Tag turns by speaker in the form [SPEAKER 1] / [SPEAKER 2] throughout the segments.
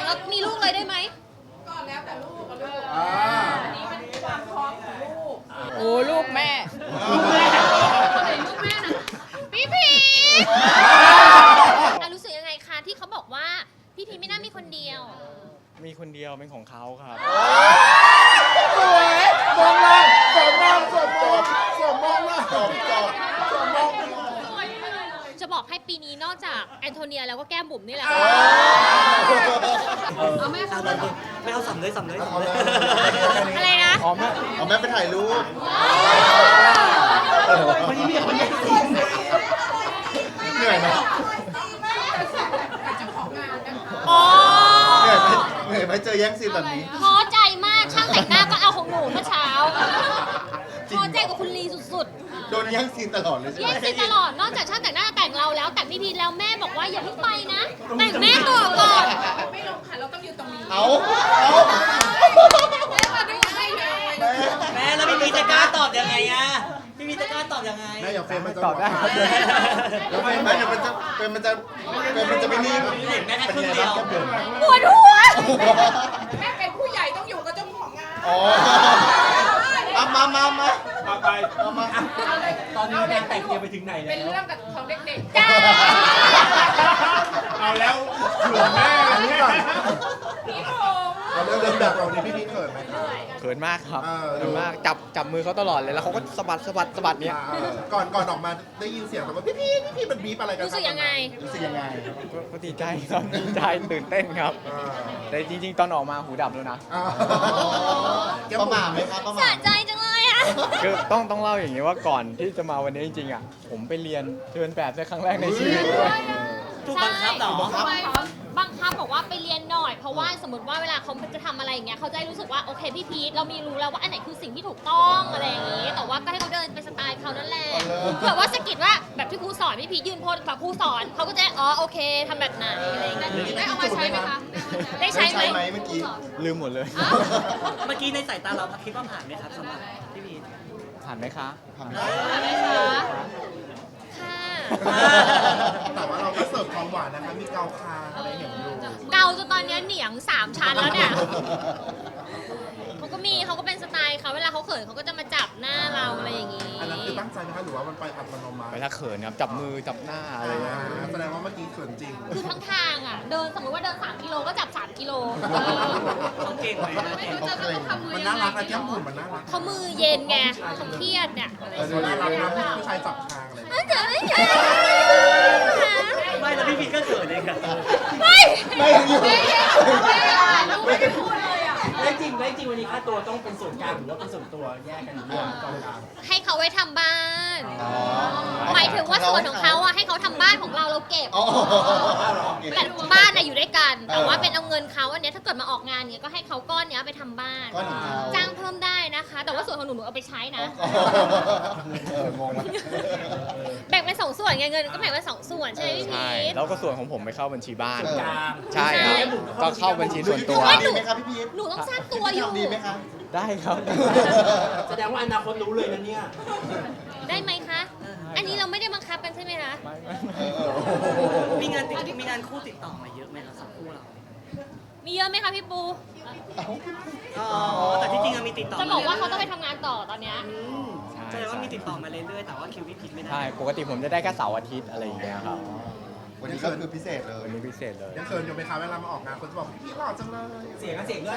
[SPEAKER 1] แล้วมีลูกเลยได้ไหม
[SPEAKER 2] ก็แล้วแต่ลูกกับลูก
[SPEAKER 3] อันนี้มันความพร้อมของลูก
[SPEAKER 2] โอ้ลูกแม่
[SPEAKER 1] ลูกแม่นะพี่พีรู้สึกยังไงคะที่เขาบอกว่าพี่พีไม่น่ามีคนเดียว
[SPEAKER 4] มีคนเดียวเป็นของเขาครับ
[SPEAKER 5] สวยมองล่างสวมมองสวมมองสวมมองล่างสวมจอบสวมมอง
[SPEAKER 1] จะบอกให้ปีนี้นอกจากแอนโทเนียแล้วก็แก้มบุ๋มนี่แหละ
[SPEAKER 2] เอาแม่เขาเลยไม่เอาสำเลยสำเลย
[SPEAKER 1] อะไรนะ
[SPEAKER 4] อ๋อแม่
[SPEAKER 5] เอาแม่ไปถ่ายรูป
[SPEAKER 2] วันนี้มีคนแย่งซีน
[SPEAKER 5] เหนื่อยไหม
[SPEAKER 1] อ๋อ
[SPEAKER 5] เหนื่อยไหมเจอแย่งซีนแบบนี้
[SPEAKER 1] ท้อใจมากช่างแต่งหน้าก็เอาของหนูเมื่อเช้าท้อใจกับคุณลีสุด
[SPEAKER 5] โดนแย่งซีนตลอดเลย
[SPEAKER 1] ๆ
[SPEAKER 5] ใช่ไห
[SPEAKER 1] แย่
[SPEAKER 5] ม
[SPEAKER 1] งซีนตลอดนอกจากช่างแต่งหน้าแต่งเราแล้วแต่งพี่พีแล้วแม่บอกว่าอย่าเพิ่งไปนะแต่งแม่ตัวก่อน
[SPEAKER 3] ไม่ลงค่ะเราต้องอยู่ตรงนี้
[SPEAKER 5] เอา
[SPEAKER 3] แม่มาดูให้เลย
[SPEAKER 2] แม่แล้วพี่มีจะกล้าตอบยังไงอะพี่มีจะกล้าตอบยังไง
[SPEAKER 5] แม่อย่าเฟรมมันจะ
[SPEAKER 4] ตอบได้
[SPEAKER 5] แล้วแม่เดี๋ยวมันจะเป็นมันจะไม่นิ่ง
[SPEAKER 2] เห็นแม่แค่ครึ่งเดียว
[SPEAKER 1] ปวดหัว
[SPEAKER 3] แม่เป็นผู้ใหญ่ต้องอยู่กับเจ้าของงาน
[SPEAKER 5] อ๋อเอามาไปเอามา
[SPEAKER 2] ตอนนี้แดงแต่งเตรียมไปถึงไหนแล้
[SPEAKER 3] เป็น
[SPEAKER 2] ว
[SPEAKER 3] เรื่องกับของเด็ก
[SPEAKER 1] จ้า
[SPEAKER 4] เอาแล้วเผื่อแม่
[SPEAKER 5] อันนี้ก่อน
[SPEAKER 3] ๆพี่ผม
[SPEAKER 5] เอาเริ่มแบบเรานี่พี่พีเขินไหม
[SPEAKER 4] เขินมากครับ
[SPEAKER 5] เออ
[SPEAKER 4] เขินมากจับมือเขาตลอดเลยแล้วเขาก็สะบัดเนี้ย
[SPEAKER 5] ก่อนออกมาได้ยินเสียงแบบว่าพี่พีมันบีบอะไรกัน
[SPEAKER 1] รู้สึกยังไง
[SPEAKER 5] รู้สึกยังไง
[SPEAKER 4] ก็ดีใจครับดีใจตื่นเต้นครับ แต่จริงๆ ตอนออกมาหูดับแล้วนะ
[SPEAKER 5] ประมาทไหมครับประมา
[SPEAKER 1] สะ
[SPEAKER 5] ท
[SPEAKER 1] ใจจังเลยอ่ะ
[SPEAKER 4] คือต้องเล่าอย่างนี้ว่าก่อนที่จะมาวันนี้จริงๆอ่ะผมไปเรียนเดินแบบในครั้งแรกในชีวิตด้วย
[SPEAKER 2] ถูกบังคับเหรอ
[SPEAKER 1] บังคับบอกว่าไปเรียนหน่อยเพราะว่าสมมติว่าเวลาเขาจะทำอะไรอย่างเงี้ยเขาจะได้รู้สึกว่าโอเคพี่พีทเรามีรู้แล้วว่าอันไหนคือสิ่งที่ถูกต้องอะไรอย่างงี้ แต่ว่าก็ให้เขาเดินไปสไตล์เขานั่นแหละเผื่อว่าสะกิดว่าแบบที่ครูสอนพี่พีทยืนโพสแบบครูสอนเขาก็จะอ๋อโอเคทำแบบไหนอะไรอย่างเงี้ยได้เอามาใช้ไหมคะได้ใช้ไหม
[SPEAKER 5] เมื่อกี้
[SPEAKER 4] ลืมหมดเลย
[SPEAKER 2] เมื่อกี้ในสายตาเราคิดว่าผ่านไหมครับสำหรับพี่พีท
[SPEAKER 4] ผ่านไหมคะ
[SPEAKER 5] ทำ
[SPEAKER 1] ค่ะ
[SPEAKER 5] แต่ว่าเราก็เสิร์ฟความหวานนะคะมีเกาคางอะไรเห็นอยู่
[SPEAKER 1] เกาจนตอนเนี้ยเหนียง3 ชั้นแล้วเนี่ยเขาก็เป็นสไตล์เขาเวลาเขาเขินเขาก็จะมาจับหน้าเราอะไรอย่างงี้
[SPEAKER 5] อันนั้นคือตั้งใจไหมคะหรือว่ามันไปอัตโนมัติ
[SPEAKER 4] ไปถ้าเขินครับจับมือจับหน้าอะไรเงี้ย
[SPEAKER 5] แสดงว่าเมื่อกี้เขินจริง
[SPEAKER 1] คือทั้งทางอ่ะเดินสมมติว่าเดิน3 กิโลก็จับ3 กิโล
[SPEAKER 2] เขาเก่งไหมนะเก่ง
[SPEAKER 5] มันน่ารักนะแก้มบุ๋มมันน่ารัก
[SPEAKER 1] เขามือเย็นไงเขาเครียดเนี่ย
[SPEAKER 5] ดูน่ารักนะผู้ชายจับคางอะไร
[SPEAKER 1] เจ๋อเลย
[SPEAKER 2] ไม่แล้วพี่พีทก็เขินเองอะ
[SPEAKER 1] ไม่
[SPEAKER 5] ไม่อยู่
[SPEAKER 3] ไม่ได้พูดเลยอ่ะ
[SPEAKER 2] ได้จริงวันนี้ค่าตัวต้องเป็นส่วนกลางหรือว่าเป็นส่วนตัวแยกกันอยู่ด้วยกองกลาง
[SPEAKER 1] ให้เขาไว้ทำบ้านหมายถึงว่าส่วนของเขาอ่ะให้เขาทำบ้านของเราเก็บ
[SPEAKER 5] อ๋อ
[SPEAKER 1] แต่บ้านน่ะอยู่ด้วยกัน แต่ว่าเป็นเอาเงินเขาอันเนี้ยถ้าเกิดมาออกงานเนี้ยก็ให้เขาก้อนเนี้ยไปทำบ้าน
[SPEAKER 5] ก้อนของเขา
[SPEAKER 1] จ้างเพิ่มได้นะคะ แต่ว่าส่วนของหนูเอาไปใช้นะ
[SPEAKER 5] งงนะ
[SPEAKER 1] แบ่งเป็น2 ส่วนไงเงินก็แบ่งเป็น2 ส่วนใช่ไหมพี่
[SPEAKER 4] ใช่
[SPEAKER 1] พีท
[SPEAKER 4] แล้วก็ส่วนของผมไปเข้าบัญชีบ้าน
[SPEAKER 5] ส่วนกลาง
[SPEAKER 4] ใช่ครับก็เข้าบัญชีส่วนตัว
[SPEAKER 5] ดีไหมครับพี่พีท
[SPEAKER 1] หนูต้องสร้างตัวอยู่
[SPEAKER 5] ดีไหมครับ
[SPEAKER 4] ได้ครับ
[SPEAKER 2] แสดงว่าอนาคตรู้เลยนะเนี่ย
[SPEAKER 1] ได้ไหมคะ อันนี้เราไม่ได้บังคับกันใช่ไหมคะ
[SPEAKER 2] มีงานคู่ติดต่อมาเยอะไหมครับสองคู่เรา
[SPEAKER 1] มีเยอะไหมคะพี่ปู
[SPEAKER 2] อ๋อแต่ที่จริงมีติดต่อ
[SPEAKER 1] จะบอกว่าเขาต้องไปทำงานต่อตอนเนี้ย
[SPEAKER 2] แสดงว่ามีติดต่อมาเรื่อยๆแต่ว่าคิวพี่พีทไม่ได้
[SPEAKER 4] ใช่ปกติผมจะได้แค่เสาร์อาทิตย์อะไรอย่างเงี้ยครับ
[SPEAKER 5] วันนี้ก็คือพิเศษเลย
[SPEAKER 4] วันนี้พิเศษเลย
[SPEAKER 5] ยังเขินอยู่ไหมคะเวลามาออกงานคนจะบอกพี่หล่อจังเลย
[SPEAKER 2] เสียงด้วย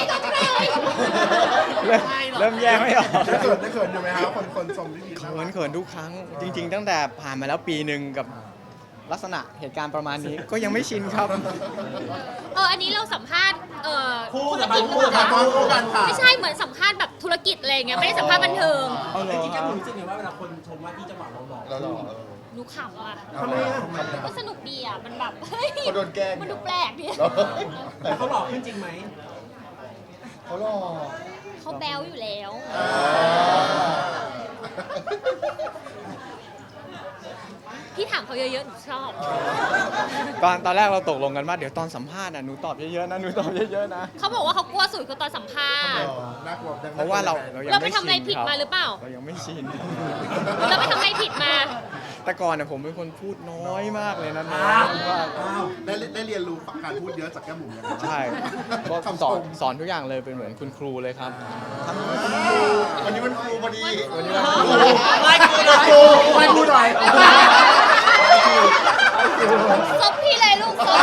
[SPEAKER 4] เริ่มแยกไม่ออก
[SPEAKER 5] ได้เขินอยู่ไหมครับคนชมพี่พีท
[SPEAKER 4] เขินทุกครั้ง จริง ๆ ตั้งแต่ผ่านมาแล้วปีหนึ่งกับลักษณะเหตุการณ์ประมาณนี้ก็ยังไม่ชินครับ
[SPEAKER 1] อันนี้เราสัมภาษณ์
[SPEAKER 2] คู่
[SPEAKER 1] ธุร
[SPEAKER 2] กับ
[SPEAKER 1] กิจหรือเปล่า
[SPEAKER 5] ตอนคู่กันค่ะ
[SPEAKER 1] ไม่ใช่เหมือนสัมภาษณ์แบบธุรกิจอะไรอย่างเงี้ยไม่ได้สัมภาษณ์บันเทิง
[SPEAKER 4] เอาเหรอ
[SPEAKER 2] จริงๆแกรู้สึกไงว่าเวลาคนชมว่าที่จังหวะเราหล่อ
[SPEAKER 5] แล้วหล่อ
[SPEAKER 1] หนูขำอ่ะ
[SPEAKER 5] ทำไมอ่ะ
[SPEAKER 1] ก็สนุกดีอ่ะมันแบบเฮ้ย
[SPEAKER 5] เขาโดนแกล้ง
[SPEAKER 1] มันดูแปลกดี
[SPEAKER 2] แต่เขาหล่อขึ้นจริงไหม
[SPEAKER 5] เขาหล่อ
[SPEAKER 1] เขาแบลอยู่แล้ว พี่ถามเขาเยอะๆหนูชอบ
[SPEAKER 4] ตอนแรกเราตกลงกันว่าเดี๋ยวตอนสัมภาษณ์น่ะหนูตอบเยอะๆนะหนูตอบเยอะๆนะ
[SPEAKER 1] เขาบอกว่าเขากลัวสุดคือตอนสัมภาษณ์
[SPEAKER 5] น่ากลัว
[SPEAKER 4] เพราะว่าเรายัง
[SPEAKER 1] เราไป
[SPEAKER 4] ไม่
[SPEAKER 1] ทำอะไร
[SPEAKER 4] ชิน
[SPEAKER 1] ผิดมาหรือเปล่า
[SPEAKER 4] เรายังไม่ชิน
[SPEAKER 1] เราไปทำอะไรผิดมา
[SPEAKER 4] แต่ก่อนเนี่ยผมเป็นคนพูดน้อยมากเลยนะน้อ
[SPEAKER 2] อ้าวย
[SPEAKER 4] มาก
[SPEAKER 5] ได้เรียนรู้การพูดเยอะจากแก้มบุ๋มยังไง
[SPEAKER 4] ใช่ก็
[SPEAKER 5] คำ
[SPEAKER 4] ส
[SPEAKER 5] ช
[SPEAKER 4] อน
[SPEAKER 5] ม
[SPEAKER 4] สอนทุกอย่างเลยเป็นเหมือนคุณครูเลยครับทั้ง
[SPEAKER 5] วันนี้มันครูพอดี
[SPEAKER 4] วันนี้วันครู
[SPEAKER 2] ไม่คุยเลย
[SPEAKER 5] ครูไม่พูดหน่อย
[SPEAKER 1] ซบพี่เลยลูกซบ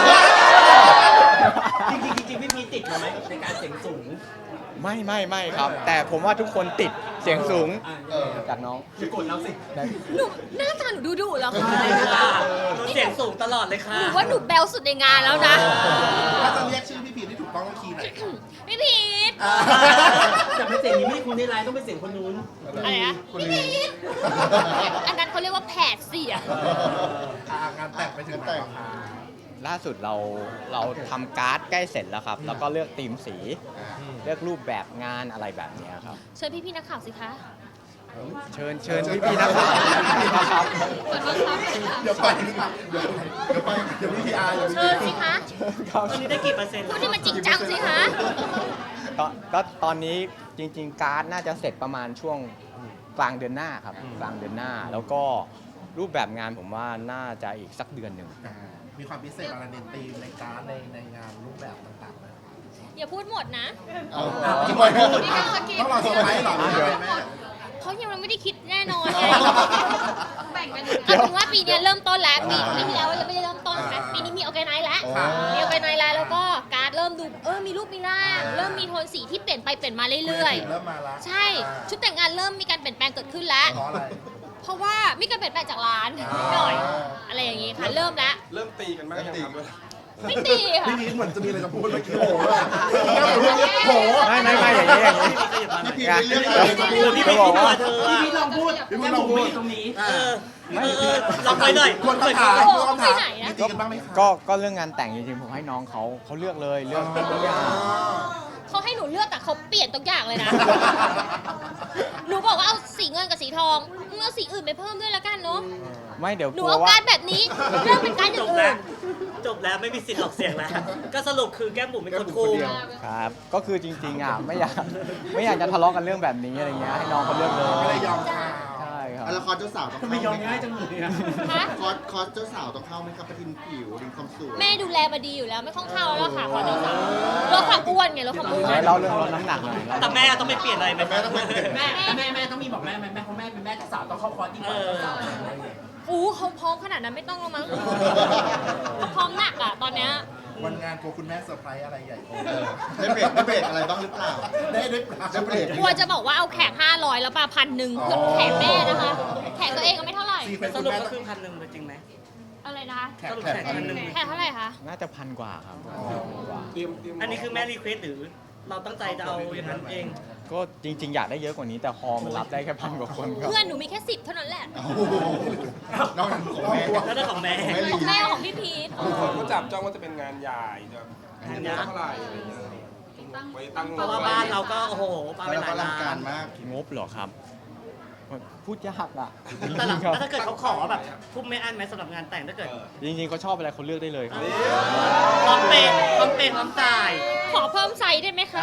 [SPEAKER 2] จริงพี่พีติดมาไหมในการเสียงสูง
[SPEAKER 4] ไม่ครับ แต่ผมว่าทุกคนติดเสียงสูงจากน้อง
[SPEAKER 2] จะกดเราสิ
[SPEAKER 1] หนูหน้าตาหนูดุๆแล้วค่ะ
[SPEAKER 2] ใช่ค่ะเสียงสูงตลอดเลยค่ะ
[SPEAKER 1] หนูว่าหนูแบลสุดในงานแล้วนะ
[SPEAKER 5] ถ้าจะเรียกชื่อพี่พีที่ถูกต้องต้องคีย์ไหนครับ
[SPEAKER 1] พี่พีท
[SPEAKER 2] แต่เป็นเสียงนี้ไม่คุณได้ไลน์ต้องเป็นเสียงคนนู้น
[SPEAKER 1] อะไรนะ
[SPEAKER 5] คน
[SPEAKER 1] พี่
[SPEAKER 5] นี้
[SPEAKER 1] พีทอันนั้นเขาเรียกว่าแผดเสียง
[SPEAKER 5] งานแต่งไปถึงแต่ง
[SPEAKER 4] ล่าสุดเราทำการ์ดใกล้เสร็จแล้วครับ แล้วก็เลือกธีมสี เลือกรูปแบบงานอะไรแบบเนี้ยครับ
[SPEAKER 1] เชิญพี่ๆนักข่าวสิคะ
[SPEAKER 4] เชิญพี่ๆนักข่าวนะครับ
[SPEAKER 1] ขอโทษครับ
[SPEAKER 5] เดี๋ยวไปเดี๋ยวพี่พีอาร์เดี๋ยว
[SPEAKER 1] เชิญสิคะ
[SPEAKER 4] ครับ
[SPEAKER 2] ตอนนี้ได้กี่เปอร์เซ็นต์
[SPEAKER 1] พูดที่มันจริงจังสิคะ
[SPEAKER 4] ก็ตอนนี้จริง ๆ การ์ดน่าจะเสร็จประมาณช่วงกลางเดือนหน้าครับกลางเดือนหน้า แล้วก็รูปแบบงานผมว่าน่าจะอีกสักเดือนหนึ่ง
[SPEAKER 5] มีความพิเศษอะไรในธีมในการ์ดในงานรูปแบบต่างๆไหม
[SPEAKER 1] อย่าพูดหมดนะ
[SPEAKER 5] ทำไมต้องรอเซอร์ไพรส์เหรอ
[SPEAKER 1] เพราะยังไม่ได้คิดแน่นอนไงแบ่งกันเอาเป็นว่าปีนี้เริ่มต้นแล้วปีที่แล้วยังไม่ได้เริ่มต้นนะปีนี้มีออร์แกไนซ์แล้วมีออร์แกไนซ์แล้วแล้วก็การ์ดเริ่มดูมีรูปมีร่างเริ่มมีโทนสีที่เปลี่ยนไปเปลี่ยนมาเรื่อย
[SPEAKER 5] เริ่มมาละ
[SPEAKER 1] ๆ ใช่ชุดแต่งงานเริ่มมีการเปลี่ยนแปลงเกิดขึ้นแล้ว
[SPEAKER 5] เพราะอะไร
[SPEAKER 1] เพราะว่ามีการเปลี่ยนแปลงจากร้านนิดหน่อย อะไรอย่างงี้ค่ะเริ่มแล้ว
[SPEAKER 6] เริ่มตีกันบ้างยังครับ
[SPEAKER 1] ไม่ตีค่ะ
[SPEAKER 5] พี่พีเหมือนจะมีอะไรจะพูดเมื่อกี้โหโห
[SPEAKER 4] ไม่อย่างนี้
[SPEAKER 5] พี่พีไม่เลือกอะไรจะพูด
[SPEAKER 2] พี่
[SPEAKER 4] จะ
[SPEAKER 2] พี
[SPEAKER 4] บอก
[SPEAKER 2] พี่
[SPEAKER 4] ว่า
[SPEAKER 2] เธอพี่ลองพูด
[SPEAKER 5] พี่พี
[SPEAKER 2] แก้ม
[SPEAKER 5] ลอง
[SPEAKER 2] บุ๋ม
[SPEAKER 5] พูด
[SPEAKER 2] ไม่อยู่ตรงนี้ลองไปหน่อย
[SPEAKER 5] คนคำถามคนคำถามมีตีกันบ้างไหมคะ
[SPEAKER 4] ก็เรื่องงานแต่งจริงๆผมให้น้องเขาเลือกเลยเลือกทุกอย่าง
[SPEAKER 1] เขาให้หนูเลือกแต่เขาเปลี่ยนทุกอย่างเลยนะ หนูบอกว่าเอาสีเงินกับสีทองมึงเอาสีอื่นไปเพิ่มด้วยละกันเนาะ
[SPEAKER 4] ไม่เดี๋ยว
[SPEAKER 1] ห
[SPEAKER 4] ก
[SPEAKER 1] นู
[SPEAKER 4] ลัว
[SPEAKER 1] เอา
[SPEAKER 4] ว่า
[SPEAKER 1] การแบบนี้เรื่องเป็นการอ
[SPEAKER 2] จ
[SPEAKER 1] ย่าง
[SPEAKER 2] บ
[SPEAKER 1] อื่
[SPEAKER 2] แล้ว
[SPEAKER 1] น
[SPEAKER 2] จบแล้วไม่มีสิทธิ์ออกเสียงแล้ว ก็สรุปคือแก้มบุ๋มเป็นคนคุม
[SPEAKER 4] ครับ ก็คือจริงๆไม่อยากจะทะเลาะกันเรื่องแบบนี้อะไรเงี้ยให้น้องเขาเลือกเลย
[SPEAKER 5] ก็เลยยอมข่าว
[SPEAKER 4] ใช่ครับ
[SPEAKER 7] แล้วคอร์สเจ้าสาวต้อง
[SPEAKER 2] ทำ
[SPEAKER 7] เข้า
[SPEAKER 2] ไมยอม
[SPEAKER 7] ไหม
[SPEAKER 2] ง่ายจังเลยอะ
[SPEAKER 1] ฮะ
[SPEAKER 7] คอร์สเจ้าสาวต้องเข้าไหมครับประทินผิวดินความสวย
[SPEAKER 1] แม่ดูแลมาดีอยู่แล้วไม่ต้องเข้าแล้วค่ะขอเจ้าสาวลดความอ้วนไงลดความอ้วน
[SPEAKER 4] เราเรื่องลดน้ำหนักหน่อย
[SPEAKER 2] แต่แม่ต้องไม่เปลี่ยนอะไรไหม
[SPEAKER 5] แม่ต้องไม่เปลี่ยน
[SPEAKER 2] แม่ต้องมีบอกแม่ไหมแม่เพราะแม่เป็นแม่เจ้าสาวต้องเข้าคอร์สยิ่งกว่าเจ้าสาว
[SPEAKER 1] อู้เขาพร้อมขนาดนั้นไม่ต้องแล้วมั้งพร้อมหนักอ่ะตอนเนี้ย
[SPEAKER 5] วันงานกลัวคุณแม่เซอร์ไพรส์อะไรใหญ่โต
[SPEAKER 7] ได้เบรกอะไรบ้างหรือเปล่า
[SPEAKER 5] ได้เบรก
[SPEAKER 1] กลัวจะบอกว่าเอาแขก500แล้วป่ะ1,000เพื่อแขกแม่นะคะ แขกตัวเองก็ไม่เท่าไหร่
[SPEAKER 5] ซีเควนต์
[SPEAKER 2] ส
[SPEAKER 5] คุณ
[SPEAKER 2] รุป
[SPEAKER 5] แม่
[SPEAKER 2] ก็คือ1,000เลยจริงไหม
[SPEAKER 1] อะไรนะคะ
[SPEAKER 2] สรุปแขก1,000
[SPEAKER 1] แขกเท่าไหร่คะ
[SPEAKER 4] น่าจะ1,000 กว่าครับ
[SPEAKER 6] เตรียม
[SPEAKER 2] อันนี้คือแม่รีเควสหรือเราตั้งใจจะเอาอย่างนั้นเอง
[SPEAKER 4] ก็จริง ๆ อยากได้เยอะกว่านี้แต่ฮอลมันรับได้แค่1,000 กว่าคนครับ
[SPEAKER 1] เพื่อนหนูมีแค่10เท่านั้นแหละ
[SPEAKER 5] โอ้โหนอกจากของแม่
[SPEAKER 2] แล้วได้ของแม่
[SPEAKER 1] ของแม่ของพี่พีท
[SPEAKER 6] บางคนก็จับจ้องว่าจะเป็นงานใหญ่จะเงินเท่าไหร่อะไรอย่างเงี้ยไว้ตั้ง
[SPEAKER 2] เพราะว่าบ้านเราก็โอ้โหปาไป
[SPEAKER 5] แล้ว
[SPEAKER 2] หลา
[SPEAKER 5] ก็
[SPEAKER 2] ย
[SPEAKER 5] ลังกา
[SPEAKER 2] ล้าร น
[SPEAKER 5] มาก
[SPEAKER 4] งบเหรอครับ พูดยากอ่ะ
[SPEAKER 2] แต่หลัง
[SPEAKER 4] จริงๆครับ
[SPEAKER 2] ถ้าเกิดเขาขอแบบทุ่มไม่อั้นไหมสำหรับงานแต่งถ้าเกิด
[SPEAKER 4] จริงๆเขาชอบอะไรเขาเลือกได้เลยครับ
[SPEAKER 2] พร้อมเป็นพร้อมเป็นพร้อมจ่าย
[SPEAKER 1] ขอเพิ่มไซส์ได้ไหมคะ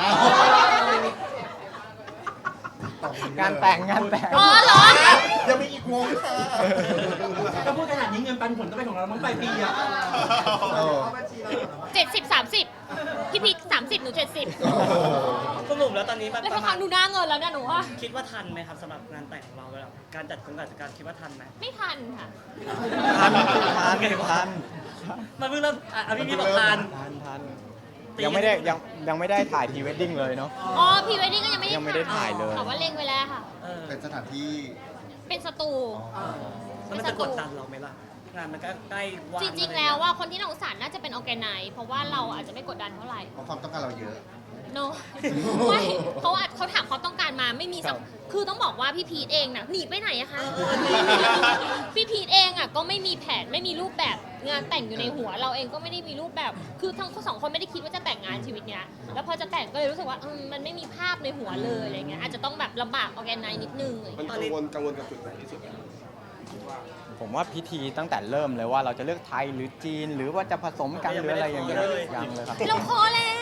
[SPEAKER 4] งานแต่ง
[SPEAKER 1] อ๋อเหรอ
[SPEAKER 5] ยังมีอีกวงค่ะ
[SPEAKER 2] ก็พูดขนาดนี้เงินปันผลก็เป็นของเรามั้งไปปีอะ
[SPEAKER 1] 70-30 พี่พีท30 หนู 70
[SPEAKER 2] สรุปแล้วตอนนี้มัน
[SPEAKER 1] แล้ว
[SPEAKER 2] ป
[SPEAKER 1] พอ
[SPEAKER 2] ระมา
[SPEAKER 1] ฟั
[SPEAKER 2] ณ
[SPEAKER 1] งดูหน้าเงินแล้วเนี่ยหนูว่า
[SPEAKER 2] คิดว่าทันไหมครับสำหรับงานแต่งของเราแล้วการจัดการคิดว่าทันไหม
[SPEAKER 1] ไม่ทันค่ะ
[SPEAKER 4] ทัน
[SPEAKER 2] มันเพิ่งเริ่มพี่บอกทัน
[SPEAKER 4] ยังไม่ได้ถ่ายพรีเวดดิ้งเลยเนาะ
[SPEAKER 1] อ๋อพรีเวดดิ้งก็ยังไม่ได้
[SPEAKER 4] ยังไม่ได้ถ่ายเลย
[SPEAKER 1] แต่ว่าเล็งไว้แล้วค่ะ
[SPEAKER 5] เป็นสถานที่
[SPEAKER 1] เป็นสตู
[SPEAKER 2] แล้วมันจะกดดันเราไหมล่ะ งานมันก็ใกล้วัน
[SPEAKER 1] จริงๆ แล้วว่าคนที่น่าสงสารน่าจะเป็นออร์แกไนซ์เพราะว่าเราอาจจะไม่กดดันเท่าไหร่
[SPEAKER 5] เพราะความต้องการเราเยอะ
[SPEAKER 1] โน ไม่เขาถามความต้องการมาไม่มีสักคือต้องบอกว่าพี่พีทเองน่ะหนีไปไหนอะคะ พี่พีทเองอะก็ไม่มีแผนไม่มีรูปแบบงานแต่งอยู่ในหัว เราเองก็ไม่ได้มีรูปแบบ คือทั้งสองคนไม่ได้คิดว่าจะแต่งงานชีวิตเนี้ยแล้วพอจะแต่งก็เลยรู้สึกว่ามันไม่มีภาพในหัวเลยอะไรเงี้ยอาจจะต้องแบบลำบากออร์แกไนซ์นิดนึงอะไร
[SPEAKER 6] มัน
[SPEAKER 1] เงี้ย
[SPEAKER 6] กังวลกับจุดไหนที่สุดอะคิดว่า
[SPEAKER 4] ผมว่าพิธีตั้งแต่เริ่มเลยว่าเราจะเลือกไทยหรือจีน หรือว่าจะผสมกันหรืออะไรอย่างเงี้ยยังเลยครับ
[SPEAKER 1] เราพอแล้ว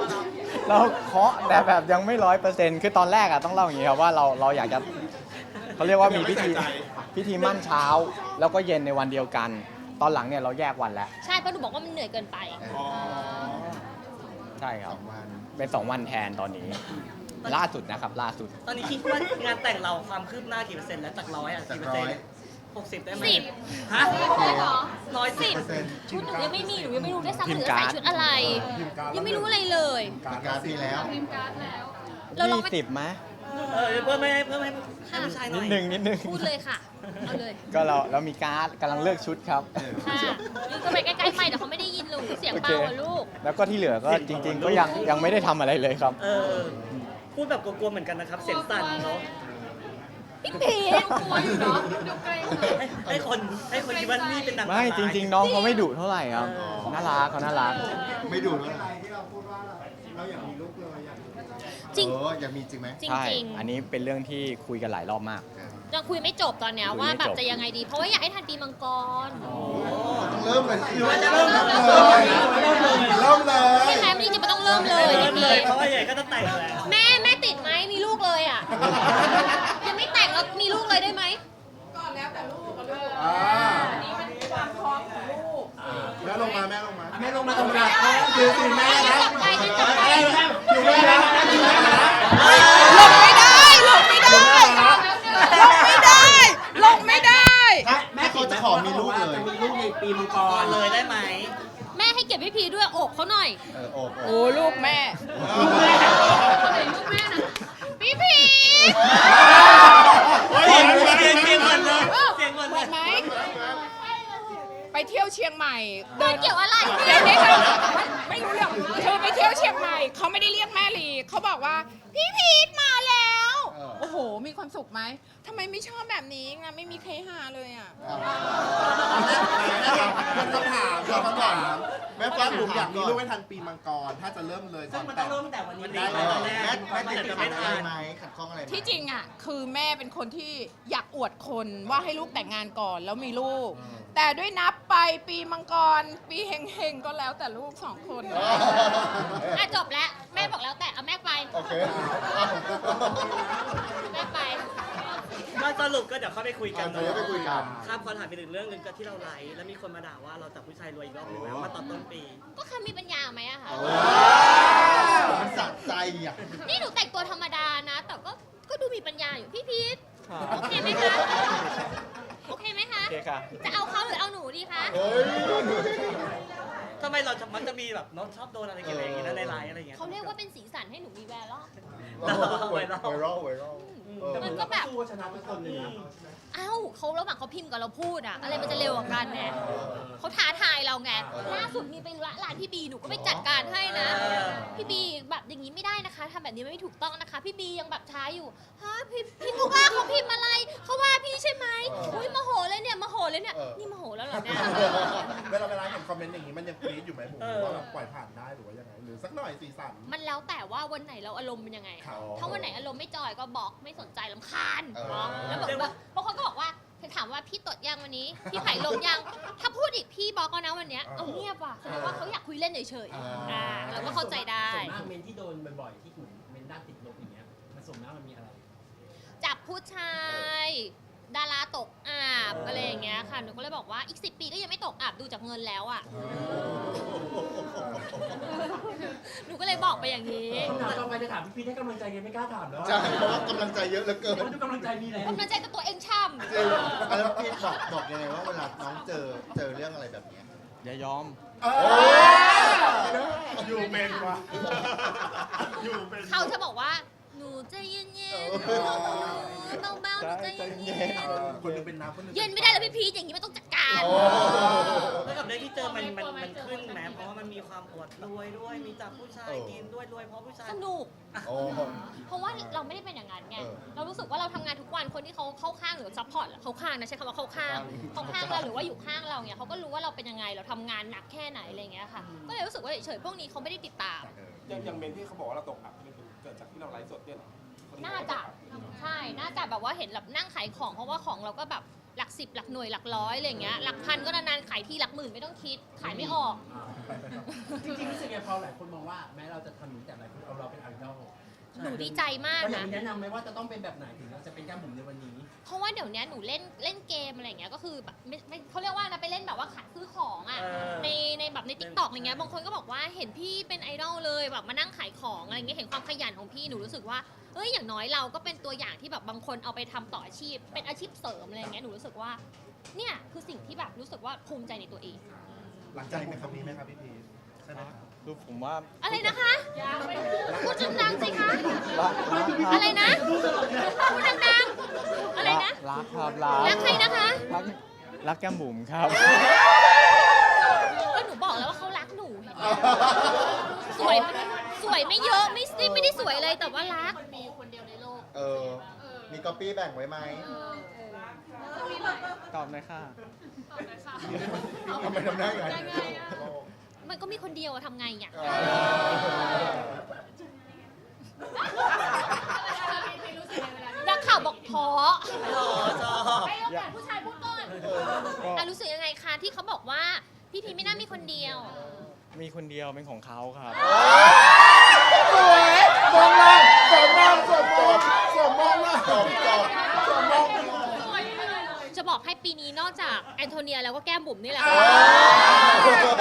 [SPEAKER 4] เราเคาะแต่แบบยังไม่100%คือตอนแรกอะต้องเล่าอย่างงี้ครับว่าเราอยากจะเขาเรียกว่ามี
[SPEAKER 6] ไม่ใส่ใจ
[SPEAKER 4] พิธีมั่นเช้า แล้วก็เย็นในวันเดียวกัน ตอนหลังเนี่ยเราแยกวันแล้ว
[SPEAKER 1] ใช่เพราะหนูบอกว่ามันเหนื่อยเกินไป
[SPEAKER 6] อ๋อ
[SPEAKER 4] ใช่ครับ
[SPEAKER 7] 2 วัน
[SPEAKER 4] เป็น 2 วันแทนตอนนี้ ล่าสุดนะครับล่าสุด
[SPEAKER 2] ตอนนี้คิดว่างานแต่งเราความคืบหน้ากี่เปอร์เซ็นต์แล้วจาก100อ่ะ
[SPEAKER 7] จาก
[SPEAKER 2] กี่เปอร์เซ็นต์
[SPEAKER 7] 100
[SPEAKER 2] 60ได้ไหม
[SPEAKER 1] สิบ
[SPEAKER 2] ฮะ
[SPEAKER 1] เหรอ
[SPEAKER 2] 110
[SPEAKER 1] ชุดหนูยังไม่มีหนูยังไม่รู้ด้วยซ้ำ
[SPEAKER 4] พิ
[SPEAKER 1] ห
[SPEAKER 4] ม
[SPEAKER 1] นู
[SPEAKER 4] พ์
[SPEAKER 1] จะ
[SPEAKER 4] การ์
[SPEAKER 1] ใส่
[SPEAKER 4] ด
[SPEAKER 1] ชุดอะไร ยังไม่รู้อะไรเลย
[SPEAKER 7] การพี่แล้ว
[SPEAKER 1] เราลองไป
[SPEAKER 4] 20ไหม
[SPEAKER 2] เพิ่มให้ผู้ชายหน่
[SPEAKER 4] นิ
[SPEAKER 2] อ
[SPEAKER 4] ด
[SPEAKER 2] ย
[SPEAKER 4] นึงนิดนึง
[SPEAKER 1] พูดเลยค่ะ เอาเลย
[SPEAKER 4] ก็เรามีการ์ดกำลังเลือกชุดครับ
[SPEAKER 1] ค่ะยืนเข้าไปใกล้ๆไม่เดี๋ยวเขาไม่ได้ยินหนูเสียงเบาอะลูก
[SPEAKER 4] แล้วก็ที่เหลือก็จริง ๆ ก็ยังไม่ได้ทำอะไรเลยครับ
[SPEAKER 2] พูดแบบกลัวๆเหมือนกันนะครับ เสียงสั่นเนาะ
[SPEAKER 1] พี่พีท
[SPEAKER 3] กลัวอยู่เนาะดูเกรง
[SPEAKER 2] ให้คนคิดว่านี่เป็นนาง
[SPEAKER 4] ไม่จริง ๆ น้องเขาไม่ดุเท่าไหร่ครับ น่ารักเขาน่ารัก
[SPEAKER 7] ไม่ดูแล้ว
[SPEAKER 1] จริง
[SPEAKER 7] อยากมีจริงไหม
[SPEAKER 1] จริง
[SPEAKER 4] ใช่
[SPEAKER 1] จริง
[SPEAKER 4] อันนี้เป็นเรื่องที่คุยกันหลายรอบมาก
[SPEAKER 1] ยังคุยไม่จบตอนเนี้ย
[SPEAKER 4] คุยไม่
[SPEAKER 1] ว่าแบบ
[SPEAKER 4] จบ
[SPEAKER 1] จะยังไงดี เพราะว่าอยากให้ทันปีมังกร
[SPEAKER 7] ต้องเริ่มเลย
[SPEAKER 2] หรือว่าจะเริ่มเลย
[SPEAKER 7] เริ่มเลย
[SPEAKER 1] ใช่ไหมวันนี้จะไม่ต้องเริ่มเลย
[SPEAKER 2] เริ่
[SPEAKER 1] พี่
[SPEAKER 2] ม
[SPEAKER 1] พี
[SPEAKER 2] เลย
[SPEAKER 1] ท
[SPEAKER 2] เพราะว่าใหญ่ก็จะแต่งแล้ว
[SPEAKER 1] แม่ติดไหมมีลูกเลยอ่ะ ยังไม่แต่งแล้วมีลูกเลยได้ไหม
[SPEAKER 3] ก่อนแล้วแต่ลูกกับลูก
[SPEAKER 5] อ่า
[SPEAKER 3] อันนี้มันความพร้อมของลูก
[SPEAKER 5] แม่ลงมาแม่ลงมา
[SPEAKER 2] แม่ลงมาตรงนี้
[SPEAKER 5] คือสิแม่นะ
[SPEAKER 1] จับไปจับไป
[SPEAKER 5] อยู่แม่นะอยู่แม่นะ
[SPEAKER 3] ลงไม่ได้ลงไม่ได้ลงไม่ได้ลงไม่ได้
[SPEAKER 7] ถ้าเขาจะขอมีลูกเลย
[SPEAKER 2] มีลูกในปีมังกรเลยได้ไหม
[SPEAKER 1] แม่ให้เก็บพี่พีทด้วยโอบเขาหน่อย
[SPEAKER 7] โอบ
[SPEAKER 3] โอ้ลูกแม่
[SPEAKER 1] ลูกแม่นะพี่พีท
[SPEAKER 2] เสียงเหมือนเลยเสียงเหมือน
[SPEAKER 3] เห
[SPEAKER 2] เล
[SPEAKER 3] มือย นไหมไปเที่ยวเชียงใหม่
[SPEAKER 1] มันเกี่ยวอะไร
[SPEAKER 3] เดี๋ยวนี้เราไม่รู้เรื่องคือไปเที่ยวเชียงใหม่เขาไม่ได้เรียกแม่ลีเขาบอกว่าพี่พีทมาแล้ว โอ้โห มีความสุขไหมทำไมไม่ชอบแบบนี้นะไม่มีใครหาเลยอ่ะ
[SPEAKER 5] คำถามคำถาม
[SPEAKER 7] แม่
[SPEAKER 5] แม่
[SPEAKER 7] ฟั
[SPEAKER 5] ฟั
[SPEAKER 7] ง
[SPEAKER 5] ง
[SPEAKER 7] ผ
[SPEAKER 5] ผม มอยาก ก
[SPEAKER 7] อายมี
[SPEAKER 5] มี
[SPEAKER 7] ลู
[SPEAKER 5] ลู
[SPEAKER 7] ก
[SPEAKER 5] ก
[SPEAKER 7] ให้
[SPEAKER 5] ให้
[SPEAKER 7] ทั
[SPEAKER 5] ทั
[SPEAKER 7] น
[SPEAKER 5] นปีมังกร ถ้าจะเริ่มเลย
[SPEAKER 2] ซึ่งมันต้องเริ่มตั้งแต่วันนี้
[SPEAKER 7] ได้
[SPEAKER 2] ได้
[SPEAKER 7] เลย
[SPEAKER 2] แร
[SPEAKER 7] แม่
[SPEAKER 2] ก
[SPEAKER 7] แม่ติด
[SPEAKER 2] จะ
[SPEAKER 7] ขั
[SPEAKER 2] ไม่
[SPEAKER 7] ดอะ
[SPEAKER 2] ทั
[SPEAKER 7] ไร
[SPEAKER 2] น
[SPEAKER 7] ไหมขัดข้องอะไรไหม
[SPEAKER 3] ที่จริงอ่ะคือแม่เป็นคนที่อยากอวดคนว่าให้ลูกแต่งงานก่อนแล้วมีลูก แต่ด้วยนับไปปีมังกร ปีเฮงๆก็แล้วแต่ลูก2 คน
[SPEAKER 1] อ่ะจบแล้ว แม่บอกแล้วแต่เอาแม่ไป
[SPEAKER 7] โอเค
[SPEAKER 1] แม่ไป
[SPEAKER 2] ก็สรุปก็เดี๋ยวเข้าไปคุยกัน
[SPEAKER 7] เดี๋ยวไปคุยกัน
[SPEAKER 2] ครับขอถามไปถึงเรื่องหนึงก็ที่เราไลฟ์แล้วมีคนมาด่าว่าเราจับผู้ชายรวยอีกรอบหนึงแล้วมาตอนต้นปี
[SPEAKER 1] ก็เขามีปัญญาไหมอะคะ
[SPEAKER 7] มันสะใจอ่ะ
[SPEAKER 1] นี่หนูแต่งตัวธรรมดานะ แต่ก็ดูมีปัญญาอยู่พี่พีทโอเคไหมคะ โอเคไหมคะ
[SPEAKER 4] โอเคค่ะ
[SPEAKER 1] จะเอาเขาหรือเอาหนูดีคะ
[SPEAKER 7] เฮ้ย
[SPEAKER 2] ทำไมเรามักจะมีแบบเน้องชอบโดนอะไรกันอย่างงี้นะในไลน์อะไรอย่างเงี้ย
[SPEAKER 1] เขาเรียกว่าเป็นสีสันให้หนูมีแวร์ล
[SPEAKER 7] ไวรัล
[SPEAKER 1] มันก็แบบชนะทุกคนเลยนะเอ้าเขาระหว่างเขาพิมพ์กับเราพูดอะอะไรมันจะเร็วกว่ากันเนี่ยเขาท้าทายเราไง ล่าสุดมีไปร้านพี่บีหนูก็ไปจัดการให้นะ พี่บีแบบอย่างนี้ไม่ได้นะคะทำแบบนี้ไม่ถูกต้องนะคะ พี่บียังแบบท้าอยู่ฮะพี่เขาว่าเขาพิมพ์อะไรเขาว่าพี่ใช่ไหมอุ้ยโมโหเลยเนี่ยโมโหเลยเนี่ยนี่โมโหแล้วเหรอเนี่ย
[SPEAKER 5] เวลาเห็นคอมเมนต์อย่างนี้มันยังกรี๊ดอยู่ไหมผมว่าแบบปล่อยผ่านได้หรือว่ายังไง หรือสักหน่อยสีสัน
[SPEAKER 1] มันแล้วแต่ว่าวันไหนเราอารมณ์เป็นยังไง
[SPEAKER 5] ครับ
[SPEAKER 1] ถ้าวันไหนอารมณ์ไม่จอยก็บอกไม่สนใจลำคาญ
[SPEAKER 7] เออ
[SPEAKER 1] บอกแล้วแบบบางคนก็บอกว่าถามว่าพี่ตดยังวันนี้ พี่ไผ่ลงยัง ถ้าพูดอีกพี่บอกก็นะวันเนี้ยเอาเงียบว่ะแสดงว่าเขาอยากคุยเล่นเฉยๆเราก็เข้าใจได้
[SPEAKER 8] ส่วนมากเมนที่โดนบ่อยๆ ที่เหมือนเมนด้านติดลบอย่างเงี้ย มันส่วนมากมันมีอะไร
[SPEAKER 1] จับผู้ชายดาราตกอาบอะไรอย่างเงี้ยค่ะหนูก็เลยบอกว่าอีก10 ปีก็ยังไม่ตกอาบดูจากเงินแล้วอ่ะหนูก็เลยบอกไปอย่างนี้
[SPEAKER 8] คำถามต่อไปจะถามพี่พีทให้กำลังใจไงไม่กล้าถามแล้ว
[SPEAKER 7] ใช่เพราะว่ากำลังใจเยอะเหลือเกิน
[SPEAKER 8] เพราะทุกกำลังใจมีแล้ว
[SPEAKER 1] กำลังใจกับตัวเองช่ำ
[SPEAKER 7] แล้วพี่บอกยังไงว่าเวลาน้องเจอเรื่องอะไรแบบเนี้ย
[SPEAKER 4] อย่ายอม
[SPEAKER 5] อยู่เป็นวะอยู่เป็น
[SPEAKER 1] เขาจะบอกว่าหนูใจเย็นๆเบาๆหนูใจเย็น
[SPEAKER 5] คนหนึงเป็นน้ำคนหนึง
[SPEAKER 1] ๆเย็นไม่ได้แล้วพี่พีชอย่างนี้มันต้องจัดการ
[SPEAKER 2] แล้วกับเรื่องที่เจอมันขึ้นแม้เพราะว่ามันมีความอวดรวยด้วยมีจับผู้ชายกินด้วยรวยเพราะผู้ชาย
[SPEAKER 1] สนุก
[SPEAKER 7] โอ้
[SPEAKER 1] เพราะว่าเราไม่ได้เป็นอย่างนั้นไง
[SPEAKER 7] เออ
[SPEAKER 1] เรารู้สึกว่าเราทำงานทุกวันคนที่เขาเข้าข้างหรือซัพพอร์ตเขาข้างนะใช้คำว่าเข้าข้างเราหรือว่าอยู่ข้างเราเนี่ยเขาก็รู้ว่าเราเป็นยังไงเราทำงานหนักแค่ไหนอะไรอย่างเงี้ยค่ะ ก็เลยรู้สึกว่าเฉยๆพวกนี้เขาไม่ได้ติดตาม
[SPEAKER 6] อย่างเมนที่เขาบอกว่าเราตกอับนี่เกิดจากที่เราไลฟ์สดเนี่ยเหรอ
[SPEAKER 1] น่าจะใช่น่าจะแบบว่าเห็นแบบนั่งขายของเพราะว่าของเราก็แบบหลัก 10หลักหน่วยหลักร้อยอะไรอย่างเงี้ยหลักพันก็นานๆขายทีหลักหมื่นไม่ต้องคิดขายไม่ออก
[SPEAKER 8] จริงๆรู้สึกไงพอหลายคนมองว่าแม้เราจะทำอย่างนี้แต่หลายคนเอาเราเป็นไอดอล
[SPEAKER 1] หนูดีใจมาก
[SPEAKER 8] เราอยาก
[SPEAKER 1] นะ
[SPEAKER 8] มีแนะนำไหมว่าจะต้องเป็นแบบไหนถึงจะเป็นแก้มบุ๋มในวันนี้
[SPEAKER 1] เพราะว่าเดี๋ยวนี้หนูเล่นเกมอะไรอย่างเงี้ยก็คือแบบไม่เขาเรียกว่านะไปเล่นแบบว่าขายซื้อของอ่ะในแบบใน TikTok อะไรเงี้ยบางคนก็บอกว่าเห็นพี่เป็นไอดอลเลยแบบมานั่งขายของอะไรเงี้ยเห็นความขยันของพี่หนูรู้สึกว่าเอ้ยอย่างน้อยเราก็เป็นตัวอย่างที่แบบบางคนเอาไปทำต่ออาชีพเป็นอาชีพเสริมอะไรเงี้ยหนูรู้สึกว่าเนี่ยคือสิ่งที่แบบรู้สึกว่าภูมิใจในตัวเอง
[SPEAKER 7] หลังใจไหมครับนี้ไหมครับพี่พีชใช่ไหมครับ
[SPEAKER 4] คือผมว่า
[SPEAKER 1] อะไรนะคะพูดดังๆสิคะ
[SPEAKER 4] รักครับ
[SPEAKER 1] อะไรนะพูดดังๆอะไรนะ
[SPEAKER 4] รักครับรัก
[SPEAKER 1] รักใครนะคะ
[SPEAKER 4] รักแก้มบุ๋มครับ
[SPEAKER 1] ก็หนูบอกแล้วว่าเขารักหนูเห็นไหมสวยไม่เยอะไม่ได้สวยเลยแต่ว่ารัก
[SPEAKER 7] เออ มีก๊อปปี้แบ่งไว้ไหม
[SPEAKER 4] ตอบเลยค่ะ
[SPEAKER 7] ทำไมทำได้ไง
[SPEAKER 1] มันก็มีคนเดียวอะทำไงอ่ะ นักข่าวบอกท้อผู้ชายพูดก่อน
[SPEAKER 4] ก็
[SPEAKER 1] รู้สึกยังไงคะที่เขาบอกว่าพี่พีไม่น่ามีคนเดียว
[SPEAKER 4] มีคนเดียวเป็นของเขาครับ
[SPEAKER 5] สวยมองล่างสวมมองสวมมองสวมมองล่าง
[SPEAKER 7] จบ
[SPEAKER 5] สวมมอง
[SPEAKER 1] จะบอกให้ปีนี้นอกจากแอนโทเนียแล้วก็แก้มบุ๋มนี่แหละ
[SPEAKER 7] เออ